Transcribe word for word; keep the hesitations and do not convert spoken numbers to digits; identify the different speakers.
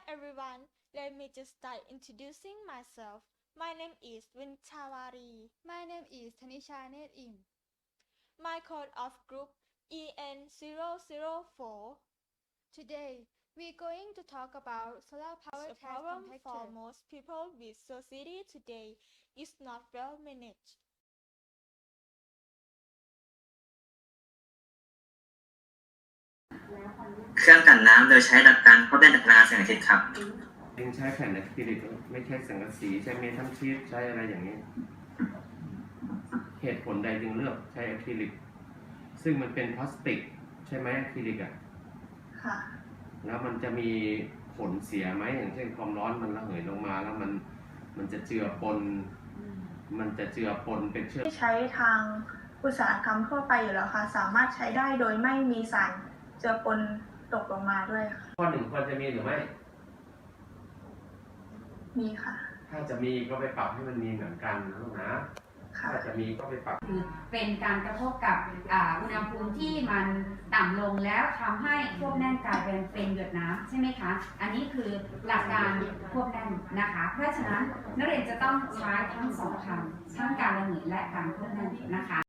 Speaker 1: everyone, let me just start introducing myself. My name is Winchawari.
Speaker 2: My name is Tanisha Net Im.
Speaker 1: My code of group E N zero zero four.
Speaker 2: Today, we're going to talk about solar power
Speaker 1: The
Speaker 2: tax
Speaker 1: problem
Speaker 2: contactor.
Speaker 1: for most people with society today is not well managed.
Speaker 3: เครื่องกันน้ำโดยใช้หลักการทดแทนพลังงานแสงอาทิตย์ครับ
Speaker 4: เองใช้แผ่นอะคริลิกไม่ใช่สังกะสีใช้เมทัลชีทใช้อะไรอย่างนี้ เหตุผลใดจึงเลือกใช้อะคริลิกซึ่งมันเป็นพลาสติกใช่ไหมอะคริลิกอ่ะ
Speaker 5: ค่ะ
Speaker 4: แล้วมันจะมีผลเสียไหมอย่างเช่นความร้อนมันระเหยลงมาแล้วมันมันจะเจือปนมันจะเจือปนเป็นเชื้อ
Speaker 5: ใช้ทางอุตสาหกรรมทั่วไปอยู่แล้วค่ะสามารถใช้ได้โดยไม่มีสารเจือปนตกลงมาด้วยค่ะ
Speaker 4: ข้อหนึ่งควรจะมีหรือไม่
Speaker 5: มีค่ะ
Speaker 4: ถ้าจะมีก็ไปปรับให้มันมีเหมือนกันนะลูกนะ
Speaker 5: ค่ะ
Speaker 4: ถ้าจะมีก็ไปปรับ
Speaker 6: คือเป็นการกระทบกับอ่าอุณหภูมิที่มันต่ำลงแล้วทำให้ควบแน่นกลายเป็นเป็นหยดน้ำใช่ไหมคะ อันนี้คือหลักการควบแน่นนะคะ เพราะฉะนั้นนักเรียนจะต้องใช้ทั้งสองคำทั้งการระเหยและการควบแน่นนะคะ